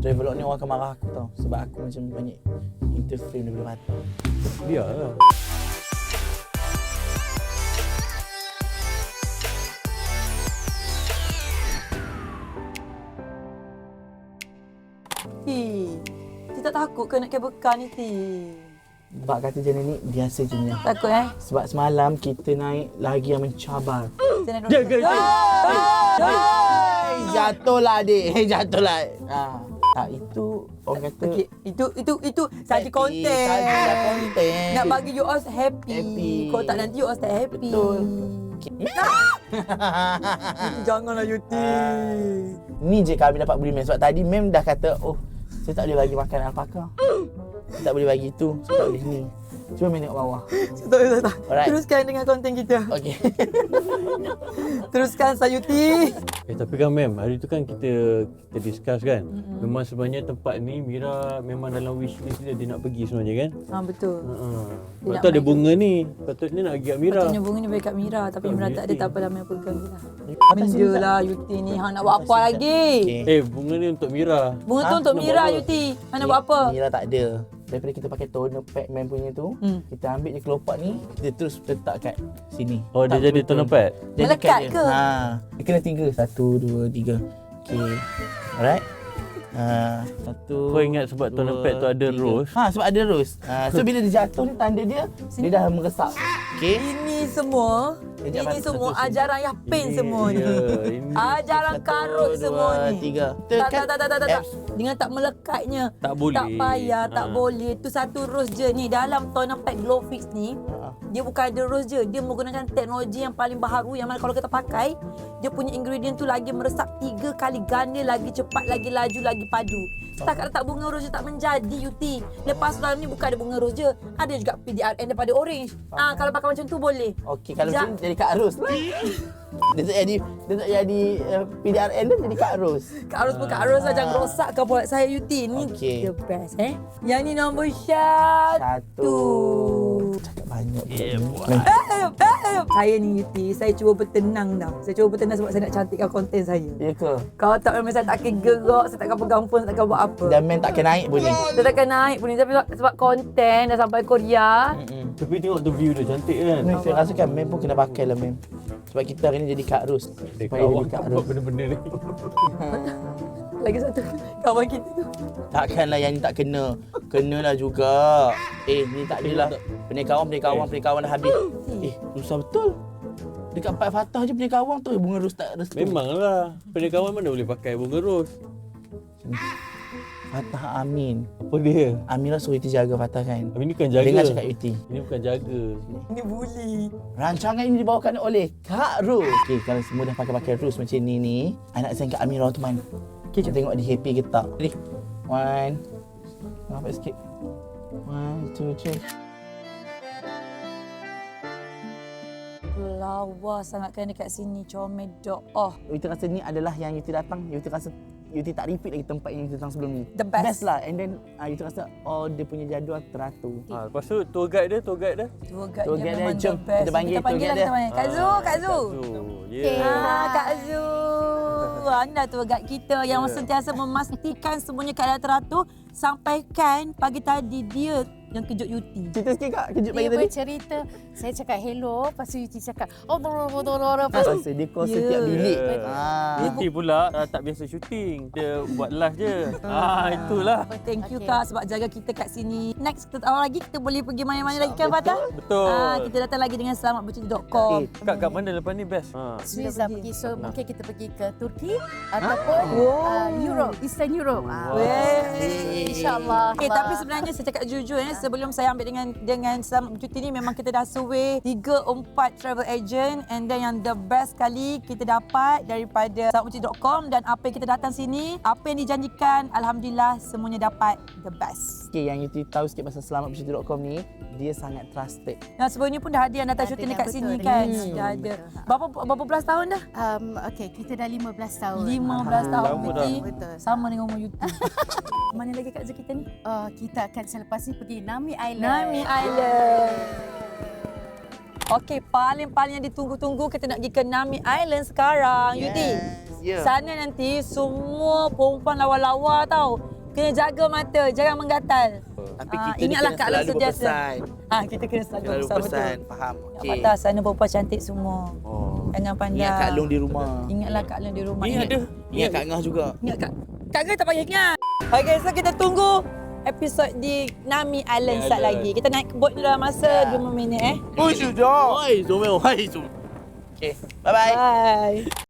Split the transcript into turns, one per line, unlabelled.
Travelog ni orang akan marah aku tau. Sebab aku macam banyak interfere daripada mata.
Biarlah.
Ti tak takut ke nak kabelkan ni, Ti?
Sebab kata je ni biasa je ni.
Takut
Sebab semalam kita naik lagi yang mencabar.
Jaga.
Jatuhlah adik. Jatuhlah. Tak, itu orang kata
Okey, itu saja konten.
Saja konten.
Nak bagi you all happy. Kalau tak nanti you all tak happy.
Betul.
Janganlah Yuti.
Ni je kami dapat beli mem. Sebab tadi mem dah kata, oh, saya tak boleh bagi makan alpaka. Saya tak boleh bagi itu. Saya tak boleh ni. Cuma mem tengok bawah.
Tak.
Alright.
Teruskan dengan konten kita.
Okey.
Teruskan Sayuti.
Tapi kan mem, hari tu kan kita discuss kan. Memang sebenarnya tempat ni Mira memang dalam wish list dia nak pergi sebenarnya kan.
Betul.
Lepas tu ada bunga ni. Patutnya nak pergi kat Mira.
Patutnya bunga ni bagi kat Mira. Tapi Mira tak ada,
Yuti.
tak apalah Mira pegang je lah. Benda lah Yuti ni. Hang nak buat apa lagi?
Bunga ni untuk Mira.
Bunga tu untuk
nak
Mira
buat apa?
Yuti. Hang nak buat apa?
Mira tak ada. Daripada kita pakai toner pack mem punya tu, kita ambil je kelopak ni, kita terus letak kat sini.
Oh, dia
Tak
jadi
betul.
toner pad?
Dia
Melekat
dekat
ke?
Dia kena 3. 1, 2, 3. Okey. Alright. 1.
Kau ingat sebab toner pad tu ada rose?
Sebab ada rose. So bila dia jatuh ni tanda dia dah meresap. Okey.
Ini semua,
Kejap,
ini semua
satu sini.
ajaran Yapin semua ni.
ini.
Ajaran karut semua ni.
3.
Tak. Dengan tak melekatnya.
Tak boleh.
Tak payah, tak boleh. Tu satu rose je ni. Dalam toner pack Glow Fix ni, dia bukan ada rose je. Dia menggunakan teknologi yang paling baharu yang mana kalau kita pakai, dia punya ingredient tu lagi meresap 3 kali ganda, lagi cepat, lagi laju, lagi padu. Setakat letak bunga rose je tak menjadi, Yuti. Lepas dalam ni bukan ada bunga rose je. Ada juga PDRN daripada orange. Kalau pakai macam tu boleh.
Okey, kalau macam ni jadi Kak Ros lah. Dia tak jadi PDRN dia jadi Kak Ros.
Kak Ros pun Kak Ros lah. Jangan rosakkan buat saya, Yuti. Ni
Okey.
the best Yang ni nombor 1.
Cakap banyak.
Saya ni Yuti, saya cuba bertenang dah. Saya cuba bertenang sebab saya nak cantikkan konten saya.
Ya ke?
Kalau tak memang saya tak akan gerak, saya takkan pegang phone, saya takkan buat apa.
Dan men takkan naik pun ni.
Saya takkan naik pun ni. Tapi sebab konten dah sampai Korea.
Tapi tengok tu view dia cantik kan.
Ni saya rasa kan mem pun kena pakai lah mem. Sebab kita hari ni jadi Kak Ros. Supaya jadi Kak Ros.
Benda-benda ni.
Lagi satu kawan kita tu.
Takkanlah yang ni tak kena. Kenalah juga. Ni tak adalah. Pernikahan dah habis. Susah betul. Dekat 4 Fatah je pernikahan tu bunga ros tak restu.
Memanglah. Pernikahan mana boleh pakai bunga rose?
Fatah Amin.
Apa dia?
Amira suruh Yuti jaga Fatah kan?
Ini bukan jaga.
Dengar cakap Yuti.
Ini bukan jaga.
Ini bully.
Rancangan ini dibawakan oleh Kak Ros. Okey, kalau semua dah pakai ros macam ni, anak saya Kak Amira tu mana? Okey, kita tengok dia happy ke tak. Ready? 1. Nampak sikit. 1, 2, 3.
Lawa sangat kan dekat sini. Comel dok.
Yuti rasa ni adalah yang Yuti datang. Yuti rasa Yuti tak repeat lagi tempat yang Yuti datang sebelum ni.
The best.
Best lah. And then Yuti rasa dia punya jadual teratur.
Lepas tu tour guide dia.
Tour guide
Tour
dia
guide
memang
dia, jom.
the best.
Kita panggil tour guide
lah,
dia.
kita panggil. Kak Zu, Kak Zu. Kak Zu. Anda tour guide kita yang sentiasa memastikan semuanya keadaan teratur. Sampaikan pagi tadi dia yang kejut Yuti.
Cerita sikit Kak, kejut pagi
Dia
tadi.
bercerita, saya cakap hello, lepas tu Yuti cakap,
Rasa dia call setiap bilik.
Yuti pula tak biasa syuting. Dia buat live je. Itulah.
Thank you
Okay.
Kak sebab jaga kita kat sini. Next kita tahu lagi kita boleh pergi mana-mana lagi kan Fatah?
Betul.
Kita datang lagi dengan selamatbercerita.com.
Kak kat mana lepas ni best?
Swiss pergi. So mungkin kita pergi ke Turki ataupun Europe, Eastern Europe. InsyaAllah.
Tapi sebenarnya saya cakap jujur sebelum saya ambil dengan Selamat Bercuti ni memang kita dah survey 3-4 travel agent and then yang the best kali kita dapat daripada selamatbercuti.com dan apa yang kita datang sini, apa yang dijanjikan, alhamdulillah semuanya dapat the best.
Okay, yang Yuti tahu sikit pasal selamatbercuti.com ni, dia sangat trusted.
Yang sebelumnya pun dah ada yang datang syuting dekat sini kan. Dah ada. Berapa belas tahun dah?
Okay, kita dah 15 tahun.
15 tahun
Lama
Yuti.
Betul.
Sama dengan umur Yuti. Mana lagi Kak Zul kita ni?
Kita akan selepas ni pergi Nami Island.
Nami Island. Okey, paling-paling yang ditunggu-tunggu kita nak pergi ke Nami Island sekarang. Yuti.
Yeah.
Sana nanti semua perempuan lawa-lawa tau. Kena jaga mata, jangan menggatal.
Tapi
Ah,
kita ni
ingatlah
kena
Kak Long
selalu
sentiasa.
berpesan.
Kita kena selalu
Selalu
pesan
berpesan.
betul.
Faham.
Nak
Okey.
patah sana perempuan cantik semua.
Oh.
Jangan pandang.
Ingat Kak Long di rumah.
Ingatlah Kak Long di rumah.
Ni ada.
Ingat Kak Ngah juga.
Ingat Kak Ngah tak payah ingat. Okay, so kita tunggu episod di Nami Island start
Island.
lagi. Kita naik boat ni dalam masa 5 minit
Oh, sudah.
Oi, Zomel. Hai, Zomel.
Okay. Bye-bye.
Bye.